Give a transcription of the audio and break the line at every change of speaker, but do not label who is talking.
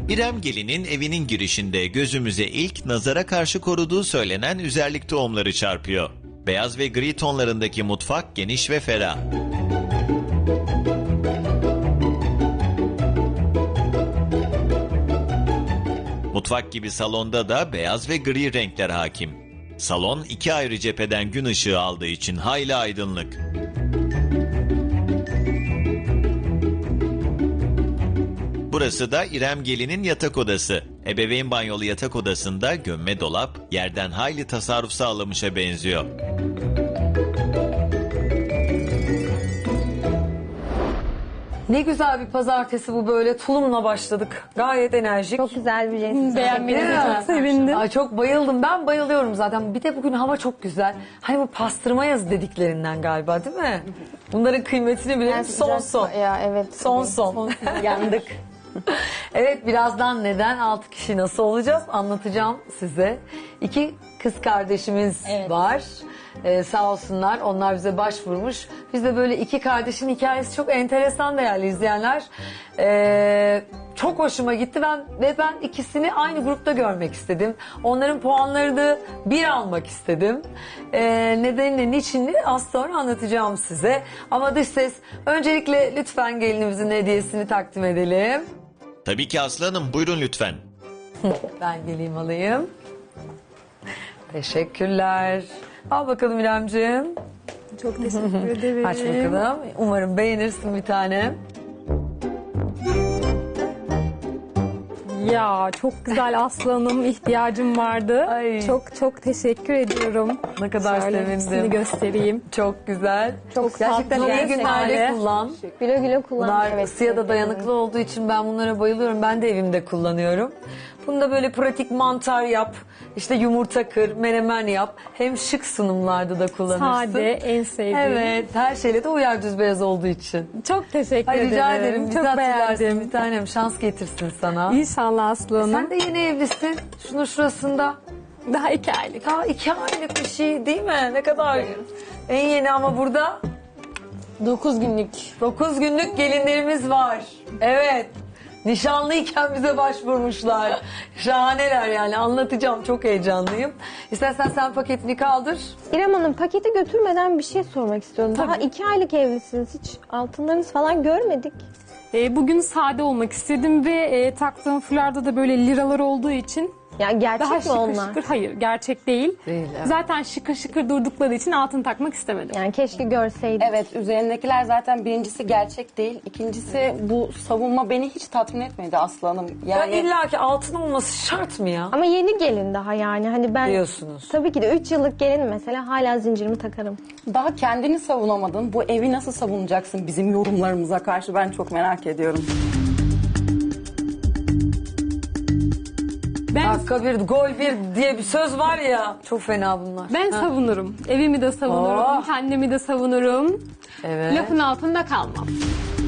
İrem Gelin'in evinin girişinde gözümüze ilk nazara karşı koruduğu söylenen üzerlik tohumları çarpıyor. Beyaz ve gri tonlarındaki mutfak geniş ve ferah. Mutfak gibi salonda da beyaz ve gri renkler hakim. Salon iki ayrı cepheden gün ışığı aldığı için hayli aydınlık. Burası da İrem Gelin'in yatak odası. Ebeveyn banyolu yatak odasında gömme dolap yerden hayli tasarruf sağlamışa benziyor.
Ne güzel bir pazartesi bu böyle. Tulumla başladık. Gayet enerjik.
Çok güzel bir resim.
Beğenmenize
Çok sevindim.
Ay çok bayıldım. Ben bayılıyorum zaten. Bir de bugün hava çok güzel. Hani bu pastırma yazı dediklerinden galiba değil mi? Bunların kıymetini bilelim. Son son.
Ya evet.
Son son.
Yandık.
Evet, birazdan neden 6 kişi nasıl olacağız anlatacağım size. 2 kız kardeşimiz var. Sağ olsunlar, onlar bize başvurmuş. Biz de böyle 2 kardeşin hikayesi çok enteresan değerli izleyenler. Çok hoşuma gitti ben ikisini aynı grupta görmek istedim. Onların puanlarını bir almak istedim. Nedenini, niçinini az sonra anlatacağım size. Ama dış ses, öncelikle lütfen gelinimizin hediyesini takdim edelim.
Tabii ki Aslı Hanım, buyurun lütfen.
Ben geleyim alayım. Teşekkürler. Al bakalım İremciğim.
Çok teşekkür ederim.
Aç bakalım. Umarım beğenirsin bir tane.
Ya çok güzel aslanım, ihtiyacım vardı.
Ay.
Çok teşekkür ediyorum.
Ne kadar
Şöyle
sevindim.
hepsini göstereyim.
Çok güzel.
Çok
Gerçekten
tatlı,
iyi günlerde
gerçekten.
kullan.
Güle güle kullan.
Bunlar ısıya da dayanıklı olduğu için ben bunlara bayılıyorum. Ben de evimde kullanıyorum. Bunu da böyle pratik mantar yap, işte yumurta kır, menemen yap. Hem şık sunumlarda da kullanırsın.
Sade, en sevdiğim.
Evet, her şeyle de uyar düz beyaz olduğu için.
Çok teşekkür
Ay,
ederim.
rica ederim. Bizi
Çok
hatırlarsın
beğendim.
bir tanem. Şans getirsin sana.
İnşallah aslanım.
Sen de yeni evlisin. Şunun şurasında.
Daha 2 aylık.
Daha 2 aylık bir şey değil mi? Ne kadar en yeni ama burada
9 günlük.
9 günlük gelinlerimiz var. Evet. Nişanlıyken bize başvurmuşlar. Şahaneler yani, anlatacağım, çok heyecanlıyım. İstersen sen paketini kaldır.
İrem Hanım, paketi götürmeden bir şey sormak istiyorum. Daha 2 aylık evlisiniz. Hiç altınlarınız falan görmedik.
Bugün sade olmak istedim ve taktığım fularda da böyle liralar olduğu için
Yani gerçek
daha
mi
şıkır
onlar?
şıkır. Hayır, gerçek değil.
Değil, evet.
Zaten şıkır şıkır durdukları için altın takmak istemedim.
Yani keşke görseydik.
Evet, üzerindekiler zaten birincisi gerçek değil. İkincisi bu savunma beni hiç tatmin etmedi Aslı Hanım.
Ya
Yani
illa ki altın olması şart mı ya?
Ama yeni gelin daha yani. Hani ben
Diyorsunuz.
tabii ki de 3 yıllık gelin mesela hala zincirimi takarım.
daha kendini savunamadın. Bu evi nasıl savunacaksın bizim yorumlarımıza karşı, ben çok merak ediyorum.
Dakika bir, gol bir diye bir söz var ya. Çok fena bunlar.
Ben savunurum. Evimi de savunurum,
Oh.
kendimi de savunurum.
Evet.
Lafın altında kalmam.